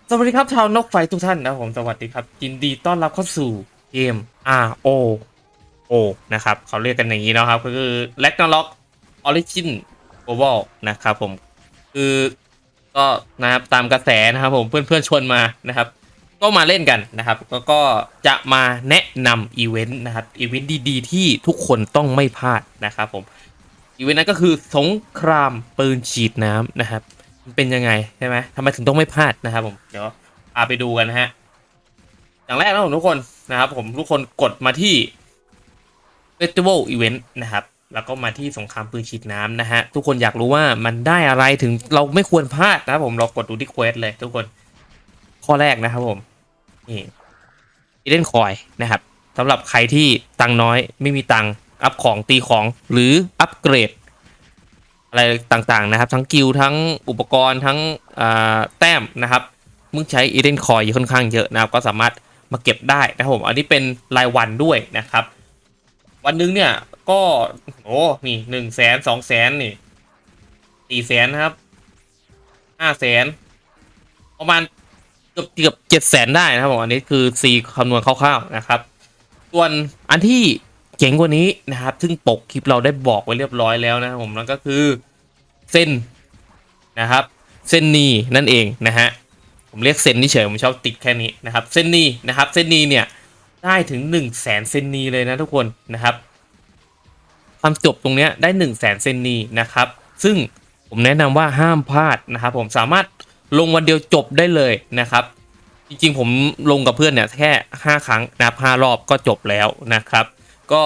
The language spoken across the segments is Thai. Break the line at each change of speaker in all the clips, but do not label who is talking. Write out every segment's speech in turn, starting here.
สวัสดีครับชาวนกไฟทุกท่านนะผมสวัสดีครับยินดีต้อนรับเข้าสู่เกม ROO นะครับเขาเรียกกันอย่างนี้นะครับก็คือ Ragnarok Origin Global นะครับผมคือก็นะครับตามกระแสนะครับผมเพื่อนๆชวนมานะครับก็มาเล่นกันนะครับแล้วก็จะมาแนะนำอีเวนต์นะครับอีเวนต์ดีๆที่ทุกคนต้องไม่พลาดนะครับผมอีเวนต์นั้นก็คือสงครามปืนฉีดน้ำนะครับมันเป็นยังไงใช่ไหมทำไมถึงต้องไม่พลาดนะครับผมเดี๋ยว ไปดูกันนะฮะอย่างแรกนะผมทุกคนนะครับผมทุกคนกดมาที่ Festival Event นะครับแล้วก็มาที่สงครามปืนฉีดน้ำนะฮะทุกคนอยากรู้ว่ามันได้อะไรถึงเราไม่ควรพลาดนะครับผมเรากดดูที่เควสเลยทุกคนข้อแรกนะครับผมนี่อีเดนคอยนะครับสำหรับใครที่ตังน้อยไม่มีตังอัพของตีของหรืออัปเกรดอะไรต่างๆนะครับทั้งกิลทั้งอุปกรณ์ทั้งแต้มนะครับมึงใช้อีเดนคอยค่อนข้างเยอะนะครับก็สามารถมาเก็บได้นะครับผมอันนี้เป็นรายวันด้วยนะครับวันหนึงเนี่ยก็โอ้นี่100,000200,000นี่400,000นะครับ500,000ประมาณเกือบ700,000ได้นะครับผมอันนี้คือซีคำนวณคร่าวๆนะครับส่วนอันที่เจ๋งกว่านี้นะครับซึ่งปกคลิปเราได้บอกไว้เรียบร้อยแล้วนะครับผมนั่นก็คือเส้นนะครับเส้นนีนั่นเองนะฮะผมเรียกเส้นนี่เฉยผมชอบติดแค่นี้นะครับเส้นนีนะครับเส้นนีเนี่ยได้ถึง100,000เส้นนีเลยนะทุกคนนะครับความจบตรงเนี้ยได้100,000เส้นนีนะครับซึ่งผมแนะนำว่าห้ามพลาดนะครับผมสามารถลงวันเดียวจบได้เลยนะครับจริงๆผมลงกับเพื่อนเนี่ยแค่5 ครั้งนะครับ5 รอบก็จบแล้วนะครับก็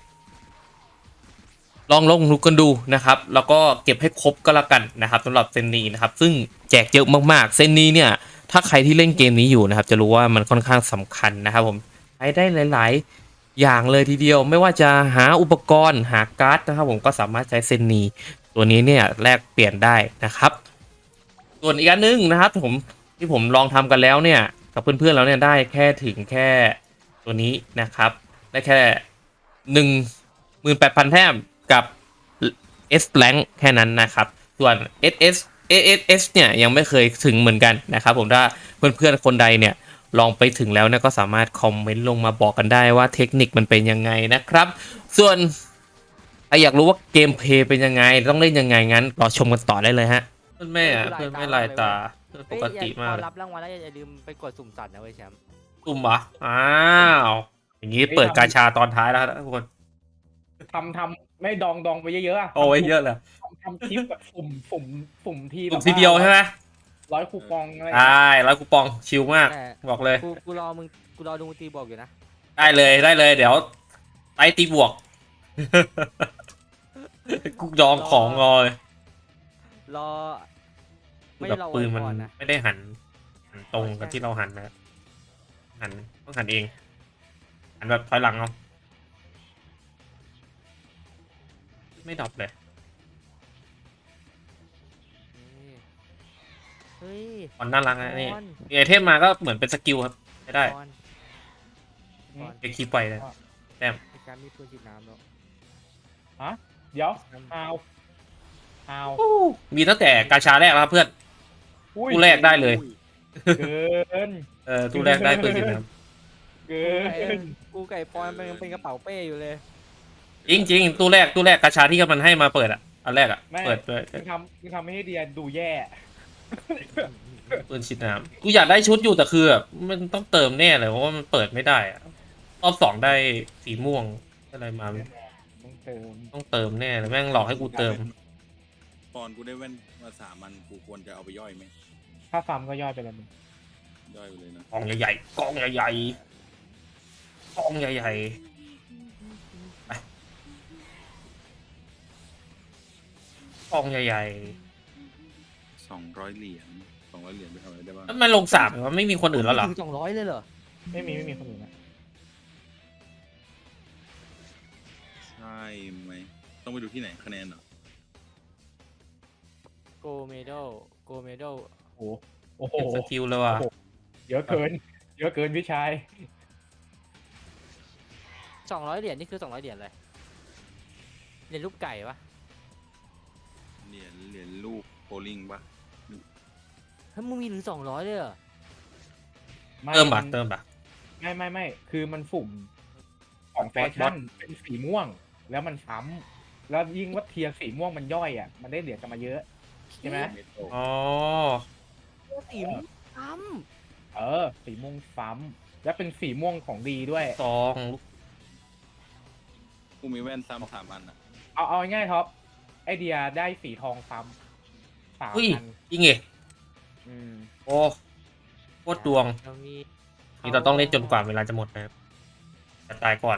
ลองลุกกันดูนะครับแล้วก็เก็บให้ครบก็แล้วกันนะครับสำหรับเซนนี้นะครับซึ่งแจกเยอะมากๆเซนนี้เนี่ยถ้าใครที่เล่นเกมนี้อยู่นะครับจะรู้ว่ามันค่อนข้างสำคัญนะครับผมใช้ได้หลายๆอย่างเลยทีเดียวไม่ว่าจะหาอุปกรณ์หาการ์ดนะครับผมก็สามารถใช้เซนนี้ตัวนี้เนี่ยแลกเปลี่ยนได้นะครับส่วนอีกอันนึงนะครับผมที่ผมลองทำกันแล้วเนี่ยกับเพื่อนๆแล้วเนี่ยได้แค่ถึงแค่ตัวนี้นะครับได้แค่18,000แต้มกับ S rank แค่นั้นนะครับส่วน SS ASS เนี่ยยังไม่เคยถึงเหมือนกันนะครับผมถ้าเพื่อนๆคนใดเนี่ยลองไปถึงแล้วเนี่ยก็สามารถคอมเมนต์ลงมาบอกกันได้ว่าเทคนิคมันเป็นยังไงนะครับส่วนถ้าอยากรู้ว่าเกมเพลย์เป็นยังไงต้องเล่นยังไงงั้นรอชมกันต่อได้เลยฮะเพื่อนแม่เพื่อนไม่ลายตาเพื่อนปกติมากเลย
พอรับรางวัลแล้วอย่าลืมไปกดสุ่มสัตว์นะเว้ยแชมป์
ตุ่มเหรออ้าวอย่างนี้เปิดกาชาตอนท้ายแล้วทุกคน
ไม่ดองไปเยอะๆอะ
โอ้ยเยอะเลย
ทำคลิปแบบสุ่มที
ตุ่
แบบ
มทีเดียวใช่ไหม
100คูปองอะไร
ใช่แล้วคูปองชิลมาก
แต่
บอกเลย
กูรอมึงกูรอดูมึงตีบอกอยู่นะ
ได้เลยได้เลยเดี๋ยวไปตีบวกกูจอง
รอ
ของงอเลย
รอไม่
แบบ
รอ
ปืนมัน
ก่อนนะ
ไม่ได้หันตรงกับที่เราหันนะหันต้องหันเองหันแบบถอยหลังเอาไม่ดรอปเลย
เฮ้ย
มันน่ารักนะนี่
บอล
มีไอเทมมาก็เหมือนเป็นสกิลครับไม่ได้
บอลบอล
เก็คีไปเลยแต้ม
ไอ้แชมป์มีปืนฉีดน้ำแล้ว
เดี๋ยวฮาว
มีตั้งแต่กาชาแรกแล้วครับเพื่อนตู้แรกได้เลย
เกิน
ตู้แรกได้ปืนฉีดน้
เกิน
กูไก่ปอนเป็นกระเป๋าเป้อยู่เลย
ำจริงตู้แรกกาชาที่มันให้มาเปิดอ่ะอันแรกอ่ะ
ไม่
เปิดด้วย
มึงทำให้เดียดูแย่
ปืนฉีดน้ำกูอยากได้ชุดอยู่แต่คือแบบมันต้องเติมแน่เลยเพราะว่ามันเปิดไม่ได้อะรอบ2ได้สีม่วงอะไรมา
ต้องเติม
ต้องเติมแน่เลยแม่งหลอกให้กูเติม
ตอนกูได้แว่นมา3 อันกูควรจะเอาไปย่อยไหม
ถ้าฟาร์มก็ย่อยไปแล้วมึง
ย่อยไปเลยนะ
กองใหญ่ๆกองใหญ่ๆกองใหญ่ๆไปกองใหญ่
200 เหรียญ200 เหรียญไปทำอะไรได้บ้าง
ๆแล้วมันลง3มันไม่มีคนอื่นแล้วเหรอ
ถึง200เลยเหรอ
ไม่มีคนอื่นนะ
ใช่ไหมต้องไปดูที่ไหนคะแนนเหรอ
โกเมโดโกเมโด
โอ้โห
เก็บสกิลเลยว่ะ
เยอะเกินพี่ชาย
200 เหรียญนี่คือ200 เหรียญเลยเหรียญรูปไก่ปะ
เหรียญลูกโบลิ่งปะ
เฮ้ยมึงมีถึง200เลยเหรอ
ไม่
เติม
มั
ปะ
น
เติมปะ
ไม่คือมันสุ่มของแฟชั่นเป็นสีม่วง แล้วมันซ้ำแล้วยิ่งว่าเทียร์สีม่วงมันย่อยอ่ะมันได้เหรียญกันมาเยอะใช่ไหม
เมโต
อ๋อ
สีม่วงซ้
สีม่วงซ้ำและเป็นสีม่วงของดีด้วย
ซองลูก
กูมีแว่นซ้ำ3 อันอ่ะ
เอาง่ายๆท็อปไอเดียได้สีทองซ้ำ3
เฮ้ย
อัน
จริงเหรอ
อืม
โอ้โคตรดวง
ำเรามี
นี่เราต้องเล่นจนกว่าเวลาจะหมดนะครับจะตายก่อน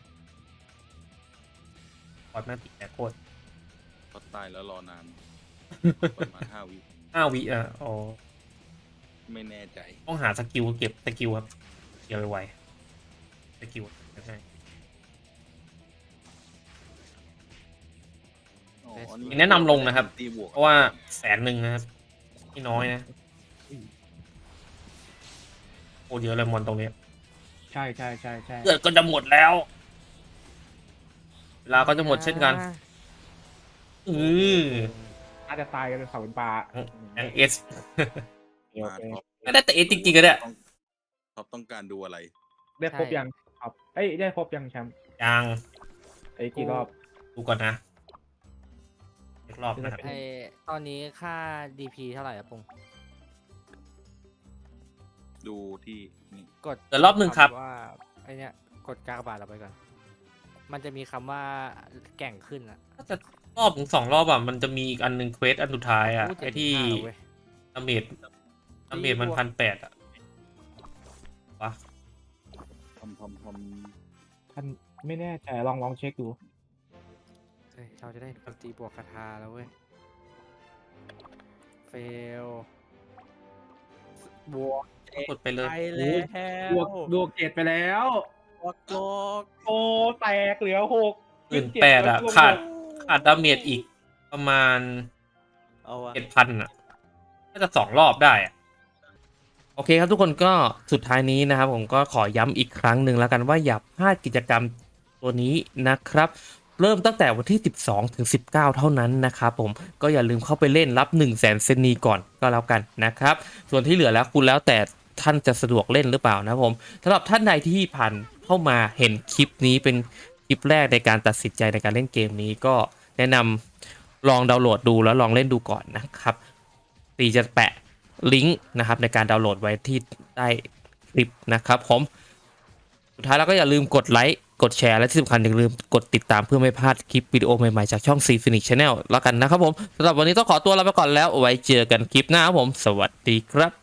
ก่อนแม่งติดแต่โคตร
พอตายแล้วรอนาน ประมาณ5 วิ
5 วิอ่ะอ๋อ
ไม่แน่ใจ
ต้องหาสกิลเก็บสกิลครับเก็บไวๆสกิลใช่
อ๋อ
แนะนำลงนะครับ
ตีบวก
เพราะว่า100,000นะครับไม่น้อยนะโอ้เยอะเลยมอนตรงนี้
ใช่
เลือดก็จะหมดแล้ว เวลาก็จะหมดเช่นกัน
น่าจะตายกันเป็นเขาเป็นปลา
ยังเอส
โอเค
ไม่ได้แต่เอสจริงๆก็ได้
ท็อปต้องการดูอะไร
ได้ครบยังครับเอ้ยได้ครบยังแชมป์
ยัง
ไอ้กี่รอบ
ดูก่อนนะอีกรอบนะครับ
ไอตอนนี้ค่า DP เท่าไหร่อะปุง
ดูที่นี่
กด
เดี๋ยวรอบหนึ่งครับ
ว่าไอเนี้ยกดกากบาทเราไปก่อน มันจะมีคำว่าแก่งขึ้นอะ
ถ้าจะรอบถึง2 รอบอ่ะมันจะมีอีกอันหนึ่งเควสอันสุดท้ายอ่ะ
อู้
ไอที่
75เว้ย
ดาเมจมัน1,800อ่ะวะ
ทำ
ท่านไม่แน่ใจลองเช็คดู
เฮ้ยเราจะได้ตีบวกคาถาแล้วเว้ย เฟลบวก
กดไปเลย
ไปแล้ว
ดวกเกตไปแล้ว
บวกโลก
โอ้แตกเหลือ6
18,000อ่ะขาดดาเมจอีกประมาณ
เอาอะ
7,000อ่ะน่าจะ2 รอบได้อ่ะโอเคครับทุกคนก็สุดท้ายนี้นะครับผมก็ขอย้ำอีกครั้งหนึ่งแล้วกันว่าอย่าพลาดกิจกรรมตัวนี้นะครับ เริ่มตั้งแต่วันที่ 12 ถึง 19 เท่านั้นนะครับผมก็อย่าลืมเข้าไปเล่นรับ 100,000 เซนนีก่อนก็แล้วกันนะครับส่วนที่เหลือแล้วคุณแล้วแต่ท่านจะสะดวกเล่นหรือเปล่านะครับผมสำหรับท่านใดที่ผ่านเข้ามาเห็นคลิปนี้เป็นคลิปแรกในการตัดสินใจในการเล่นเกมนี้ก็แนะนำลองดาวน์โหลดดูแล้วลองเล่นดูก่อนนะครับตีจะแปะลิงก์นะครับในการดาวน์โหลดไว้ที่ใต้คลิปนะครับผมสุดท้ายแล้วก็อย่าลืมกดไลค์กดแชร์และที่สำคัญอย่าลืมกดติดตามเพื่อไม่พลาดคลิปวิดีโอใหม่ๆจากช่อง C Phoenix Channel แล้วกันนะครับผมสำหรับวันนี้ต้องขอตัวลาไปก่อนแล้วไว้เจอกันคลิปหน้าครับผมสวัสดีครับ